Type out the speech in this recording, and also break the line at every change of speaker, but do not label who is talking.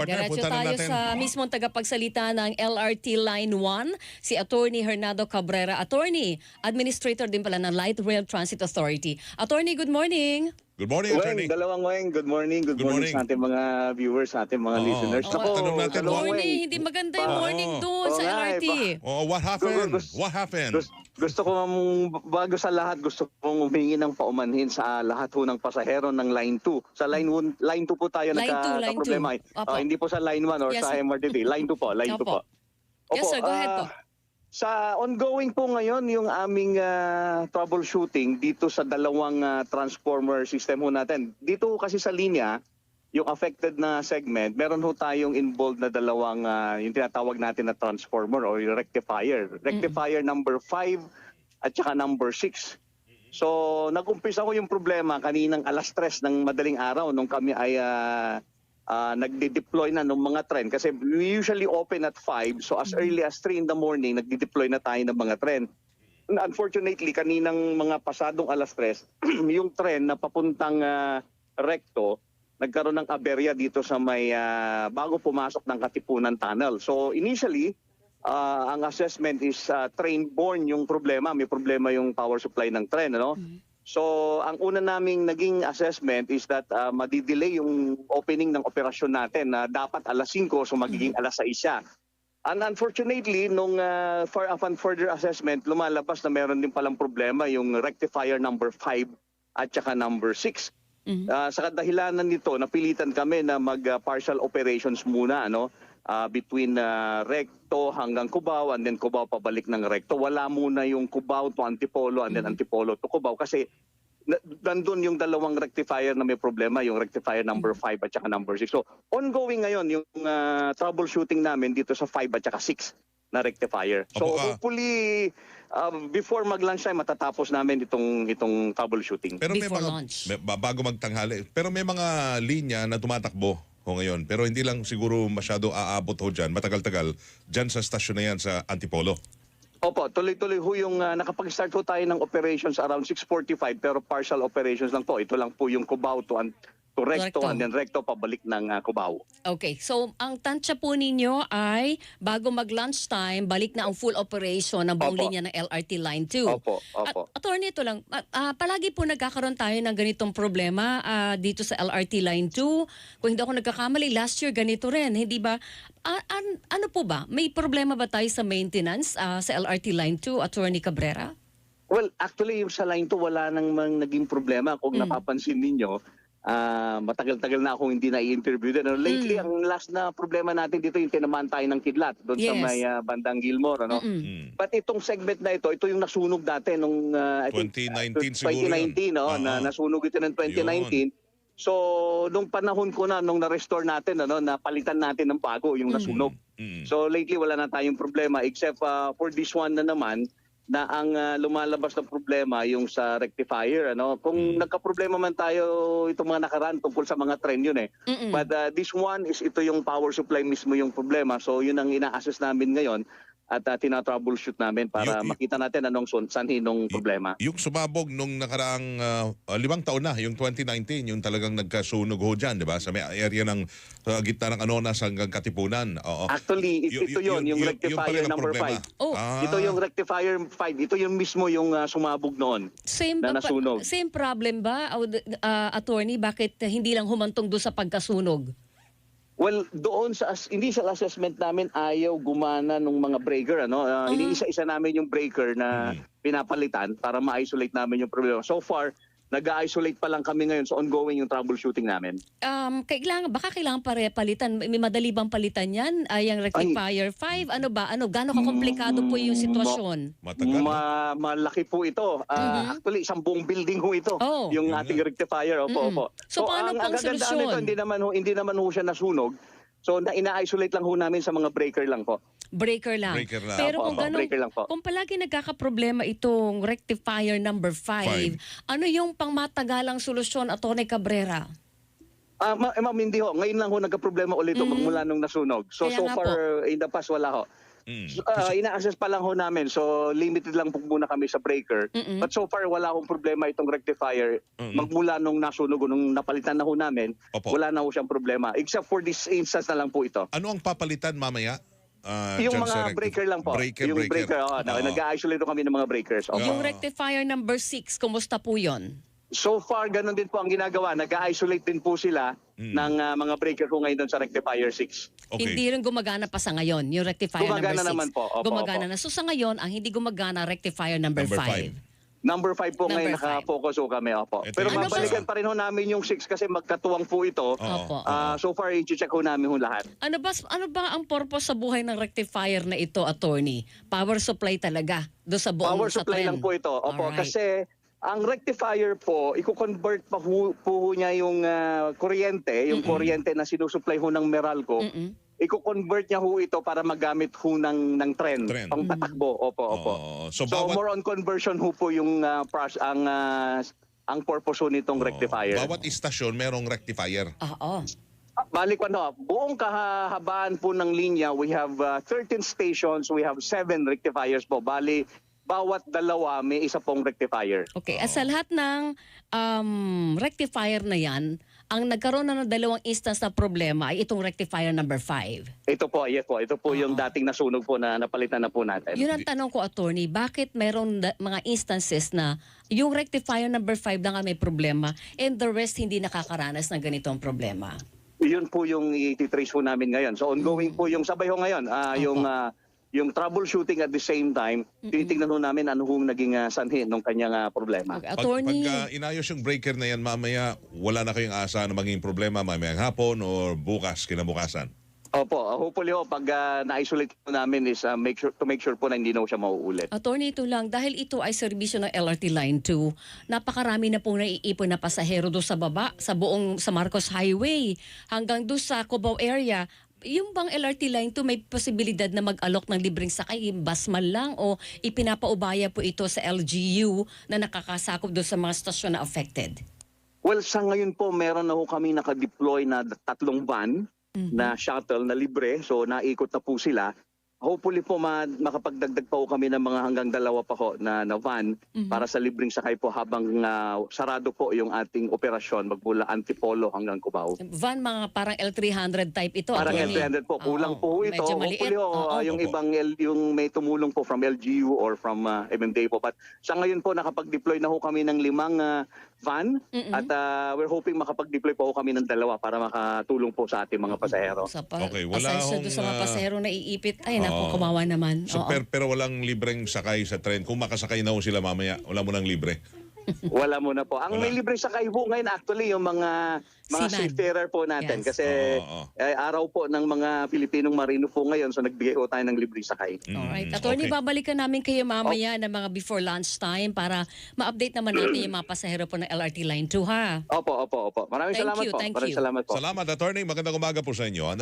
partner,
Diretso
punta na
tayo
natin.
sa mismong tagapagsalita ng LRT Line 1, si Attorney Hernando Cabrera. Attorney, Administrator din pala ng Light Rail Transit Authority. Attorney, good morning.
Good morning, attorney.
Dalawang Weng, good morning. Good
Good
morning
morning.
sa ating mga viewers, sa ating mga
Oo.
listeners.
Oh, tanong natin,
dalawang
Attorney,
Weng.
hindi maganda yung morning doon
Oo
sa
nga,
LRT.
Oh, what happened? What happened?
Gusto ko bago sa lahat, gusto kong humingi ng paumanhin sa lahat ho ng pasahero ng Line 2. Sa Line 2 po tayo
Line 2,
nagka-problema.
Opo.
Hindi po sa Line 1 or
Yes.
sa MRTT. Line 2 po, Line 2 po.
Yes, sir, go ahead po.
Sa ongoing po ngayon yung aming troubleshooting dito sa dalawang transformer system ho natin. Dito kasi sa linya, yung affected na segment, meron ho tayong involved na dalawang yung tinatawag natin na transformer o yung rectifier. Rectifier number 5 at saka number 6. So nag-umpisa ko yung problema kaninang alas 3 ng madaling araw nung kami ay nagde-deploy na ng mga tren kasi we usually open at 5, so as early as 3 in the morning nagde-deploy na tayo ng mga tren. Unfortunately, kaninang mga pasadong alas 3, yung tren na papuntang Recto nagkaroon ng aberya dito sa may bago pumasok ng Katipunan Tunnel. So initially, ang assessment is train-borne yung problema. May problema yung power supply ng tren, ano? So, ang una naming naging assessment is that madidelay yung opening ng operasyon natin na dapat alas 5, so magiging alas 6 siya. And unfortunately, nung further assessment, lumalabas na meron din palang problema yung rectifier number 5 at saka number 6. Sa kadahilanan nito, napilitan kami na mag-partial operations muna, ano? Between Recto hanggang Cubao and then Cubao pabalik ng Recto. Wala muna yung Cubao to Antipolo and then Antipolo to Cubao kasi nandun yung dalawang rectifier na may problema, yung rectifier number 5 at saka number 6. So ongoing ngayon yung troubleshooting namin dito sa 5 at saka 6 na rectifier. So hopefully before mag-lunch time matatapos namin itong troubleshooting.
Pero may
Before
mga,
lunch.
bago magtanghali, pero may mga linya na tumatakbo ho ngayon. Pero hindi lang siguro masyado aabot ho dyan, matagal-tagal, dyan sa stasyon na yan sa Antipolo.
Opo, tuloy-tuloy ho yung nakapag-start ho tayo ng operations around 6:45 pero partial operations lang po. Ito lang po yung Cubao to Recto and then Recto pabalik ng Cubao.
Okay, so ang tansya po ninyo ay bago mag-lunchtime, balik na ang full operation ng buong
Opo.
linya ng LRT Line 2.
Opo, opo.
Attorney, ito lang, palagi po nagkakaroon tayo ng ganitong problema dito sa LRT Line 2. Kung hindi ako nagkakamali, last year ganito rin, hindi ba? Ano po ba? May problema ba tayo sa maintenance sa LRT Line 2, Attorney Cabrera?
Well, actually yung sa Line 2 wala nang naging problema. Kung napapansin ninyo, matagal-tagal na akong hindi na-i-interview din. Lately, ang last na problema natin dito yung tinamaan tayo ng kidlat doon sa
Yes.
may bandang Gilmore. Ano? But itong segment na ito yung nasunog dati nung I think,
2019 siguro
2019, no? Na nasunog ito ng 2019. So, nung panahon ko na, nung na-restore natin, ano, napalitan natin ng bago yung nasunog. So, lately, wala na tayong problema except for this one na naman, na ang lumalabas na problema yung sa rectifier, ano. Kung nagka-problema man tayo itong mga nakaraan tungkol sa mga trend yun eh. But this one is ito yung power supply mismo yung problema. So yun ang ina-assess namin ngayon at tina-troubleshoot namin para makita natin anong sanhi nung problema.
Yung sumabog nung nakaraang 5 taon na, yung 2019, yung talagang nagkasunog ho dyan, di ba? Sa may area ng gitna ng Anonas hanggang Katipunan. Oo.
Actually, ito yun, yung rectifier number 5.
Oh.
Ito yung rectifier 5. Ito yung mismo yung sumabog noon na nasunog.
Same problem ba, Attorney? Bakit hindi lang humantong doon sa pagkasunog?
Well, doon sa initial assessment namin ayaw gumana ng mga breaker, ano. Iniisa-isa namin yung breaker na pinapalitan para ma-isolate namin yung problema. So far, nag-isolate pa lang kami ngayon, so ongoing yung troubleshooting namin.
Baka kailangan palitan. May madali bang palitan yan? Yung rectifier 5? Ano ba? Gaano kakomplikado po yung sitwasyon?
Matagal.
Malaki po ito. Actually, isang buong building ho ito.
Oh.
Yung ating rectifier. Opo.
So, paano po ang
kagandaan
solusyon?
nito, hindi naman ho siya nasunog. So, ina-isolate lang ho namin sa mga breaker lang po.
Breaker lang.
Breaker lang.
Pero kung
breaker lang po.
kung palagi nagkakaproblema itong rectifier number 5, ano yung pangmatagalang solusyon, Atty. Cabrera?
Ma'am, hindi ho. Ngayon lang ho nagka-problema ulit magmula nung nasunog. So
Kaya nga
far, in the past, wala ho. Ina-assess pa lang ho namin. So limited lang po muna kami sa breaker. But so far wala akong problema itong rectifier. Magmula nung nasunog, nung napalitan na ho namin,
Opo.
wala na ho siyang problema. Except for this instance na lang po ito.
Ano ang papalitan mamaya?
Yung
dyan sa
mga breaker lang po.
Breaker.
Nag-isolate kami ng mga breakers. Opo.
Yung rectifier number 6, kumusta po yon?
So far, ganun din po ang ginagawa. Nag-isolate din po sila ng mga breaker ko ngayon doon sa rectifier 6.
Okay.
Hindi rin gumagana pa sa ngayon, yung rectifier
Gumagana
number 6.
naman po. Opo,
Gumagana
opo.
na. So sa ngayon, ang hindi gumagana, rectifier number 5.
Number 5 po
Number
ngayon naka-focus ho kami. Opo.
Ito
Pero
yung
mabalikan pa rin ho namin yung 6 kasi magkatuwang po ito.
Opo.
So far, i-check ho namin ho lahat.
Ano ba ang purpose sa buhay ng rectifier na ito, attorney? Power supply talaga do sa buong
Power
sa
supply
trend.
lang po ito. Opo,
Alright.
kasi ang rectifier po, i-convert pa po niya yung kuryente, yung kuryente na sinusupply ho ng Meralco. I-convert niya ho ito para magamit ho ng trend.
Trend.
Pang tatakbo. Opo, opo.
So,
So,
bawat,
more on conversion ho po yung ang purpose ho nitong rectifier.
bawat istasyon merong rectifier.
Oo.
Balik ko buong kahabaan po ng linya, we have 13 stations, we have 7 rectifiers po. Bali, bawat dalawa may isa pong rectifier.
Okay, at sa lahat ng rectifier na yan, ang nagkaroon na ng dalawang instance na problema ay itong rectifier number 5.
Ito po, yes po. Ito po yung dating nasunog po na napalitan na po natin.
Yun ang tanong ko, attorney, bakit mayroon mga instances na yung rectifier number 5 na nga may problema and the rest hindi nakakaranas ng ganitong problema?
Yun po yung i-trace po namin ngayon. So ongoing po yung sabay ho ngayon. Yung troubleshooting at the same time, tinitingnan ho namin ano hong naging sanhi ng kanyang problema.
Okay,
Pag
attorney,
inayos yung breaker na yan mamaya, wala na kayong asa na maging problema mamayang hapon or bukas, kinabukasan.
Opo, hopefully ho, pag na-isolate po namin is make sure po na hindi na ho siya mauulit.
attorney, ito lang, dahil ito ay serbisyo ng LRT Line 2, napakarami na pong naiipon na pasahero doon sa baba, sa Marcos Highway, hanggang doon sa Cubao area. Yung bang LRT Line 2 may posibilidad na mag-alok ng libreng sakay, bus man lang, o ipinapaubaya po ito sa LGU na nakakasakop doon sa mga stasyon na affected?
Well, sa ngayon po, meron na ho kami nakadeploy na 3 van na shuttle na libre. So naikot na po sila. Hopefully po makapagdagdag pa ho kami ng mga hanggang 2 pa ho na van para sa libreng sakay po habang sarado po yung ating operasyon magmula Antipolo hanggang Cubao.
Van, mga parang L300 type ito.
Parang
attorney.
L300 po. Kulang po ito.
Medyo maliit.
Hopefully
Oo.
yung
Opo.
ibang yung may tumulong po from LGU or from MMDA po. But sa ngayon po nakapag-deploy na ho kami ng 5 van at we're hoping makapag-deploy po ho kami ng 2 para makatulong po sa ating mga pasahero.
Okay, wala
pasensya
akong,
doon sa mga pasahero na iipit. Ay, naku,
Oo.
kumawa naman.
So,
Oo.
pero walang libreng sakay sa tren. Kung makasakay na ho sila mamaya, wala mo nang libre.
Wala muna po. Ang
Wala.
may libre sa kaibo ngayon actually yung mga
Seaman.
seafarer po natin
Yes.
kasi
Oo.
araw po ng mga Pilipinong marino po ngayon so nagbigay po tayo ng libre sakay.
Alright. Attorney,
Okay.
babalikan namin kayo mamaya ng mga before lunch time para ma-update naman natin yung mga pasahero po ng LRT Line 2, ha?
Opo. Maraming
Thank
salamat
you,
po.
thank
Maraming
you.
salamat po.
Salamat, attorney. Magandang umaga po sa inyo.